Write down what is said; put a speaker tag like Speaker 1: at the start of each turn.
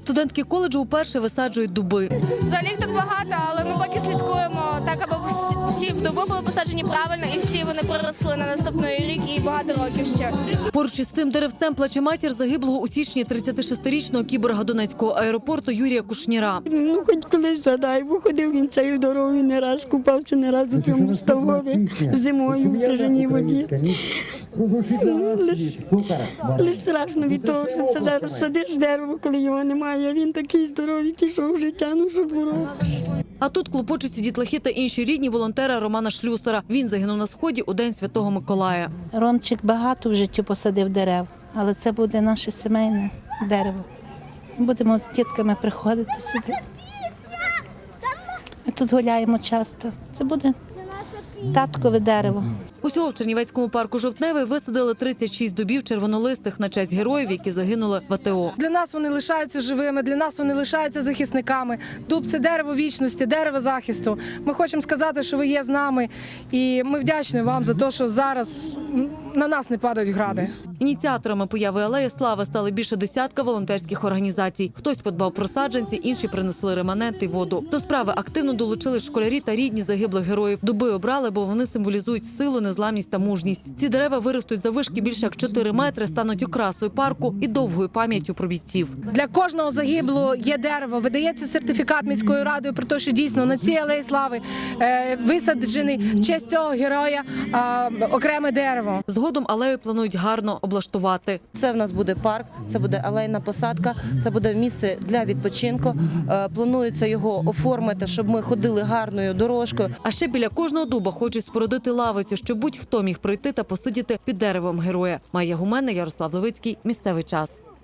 Speaker 1: Студентки коледжу вперше висаджують дуби.
Speaker 2: Взагалі їх так багато, але ми поки слідкуємо так, аби всі дуби були посаджені правильно і всі вони проросли на наступний рік і багато років ще.
Speaker 1: Поруч із цим деревцем плаче матір загиблого у січні 36-річного кіборга Донецького аеропорту Юрія Кушніра.
Speaker 3: Ну, хоч колись задай, бо ходив він цією дорогою не раз, купався не раз у цьому ставові зимою в крижаній воді. Лише страшно від того, що це зараз садиш дерево, коли його немає, а він такий здоровий пішов в життя, ну що було.
Speaker 1: А тут клопочуться дітлахи та інші рідні волонтера Романа Шлюсара. Він загинув на Сході у День Святого Миколая.
Speaker 4: Ромчик багато в житті посадив дерев, але це буде наше сімейне дерево. Будемо з дітками приходити сюди. Ми тут гуляємо часто. Це буде таткове дерево.
Speaker 1: Усього в Чернівецькому парку Жовтневий висадили 36 дубів червонолистих на честь героїв, які загинули в АТО.
Speaker 5: Для нас вони лишаються живими, для нас вони лишаються захисниками. Дуб – це дерево вічності, дерево захисту. Ми хочемо сказати, що ви є з нами, і ми вдячні вам за те, що зараз на нас не падають гради.
Speaker 1: Ініціаторами появи Алеї Слави стали більше десятка волонтерських організацій. Хтось подбав про саджанці, інші принесли реманент і воду. До справи активно долучились школярі та рідні загиблих героїв. Дуби обрали, бо вони символізують силу, незламність та мужність. Ці дерева виростуть заввишки більше як 4 метри, стануть окрасою парку і довгою пам'яттю про бійців.
Speaker 5: Для кожного загиблого є дерево. Видається сертифікат міською радою про те, що дійсно на цій Алеї Слави висаджений в честь цього героя окреме дерево.
Speaker 1: Згодом алею планують гарно облаштувати.
Speaker 6: Це в нас буде парк, це буде алейна посадка, це буде місце для відпочинку. Планується його оформити, щоб ми ходили гарною дорожкою.
Speaker 1: А ще біля кожного дуба хочуть спорудити лавицю, щоб будь-хто міг прийти та посидіти під деревом героя. Майя Гуменна, Ярослав Левицький. Місцевий час.